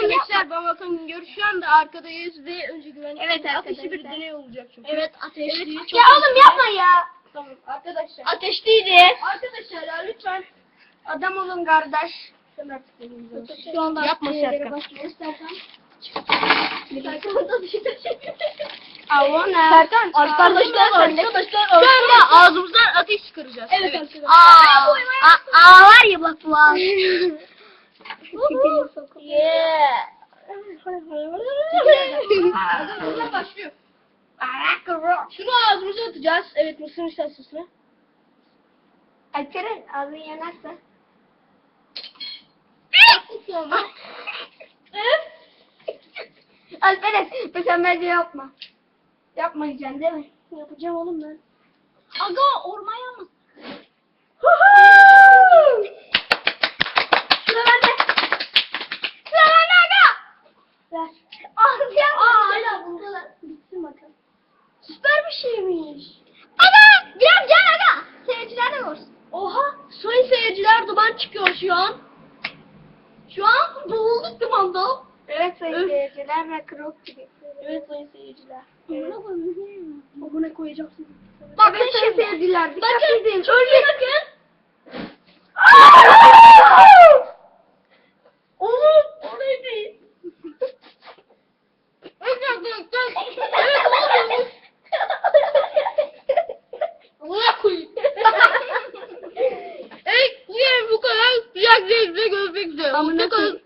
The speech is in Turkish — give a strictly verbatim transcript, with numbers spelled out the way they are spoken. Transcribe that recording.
Arkadaşlar Bamakan gör şu anda arkadayız ve önce güvenlik. Evet Ateşli bir arkadaşlar. deney olacak çünkü. Evet ateşli. Evet, Ya oğlum yapma ya. Tamam arkadaşlar. Ateşliydi. Arkadaşlar ya lütfen adam olun kardeş. Sen artık deneyeceğiz. Şu anda Yapma Serkan. İstersen. Avona. Serkan, Arkadaşlar arkadaşlar, şu anda ağzımızdan ateş çıkaracağız. Evet arkadaşlar. Aa, Aa, aa var ya bak bu aa. Yeah. Arkadaşlar başlıyor. Şunu ağzımıza atacağız. Evet mısır nişastasını. Alperen ağzın yanarsa. Alperen sen bence yapma. Yapmayacaksın değil mi? Yapacağım oğlum ben. Aga orman yalnız. Sıra bende. Sıra bende aga. Ver. Ağzı yapma. Aa hala buldular. Bitsin bakalım. Süper bir şeymiş. Aga gel gel aga. Seyirciler de görsün. Oha sayın seyirciler duman çıkıyor şu an. Şu an boğulduk dumanda. Evet sayın Öf. seyirciler ve krok gibi. Evet sayın seyirciler. Evet. Abone koyacaksın. Bakın Evet, sayın şimdi. seyirciler. Dikkat Bakın edin. önce bakın. Oğlum o neydi? Evet oğlum. Buna koyayım. Evet bu yerim bu kadar. Diğer zevkle görmek üzere. Amına Hoşçakalın.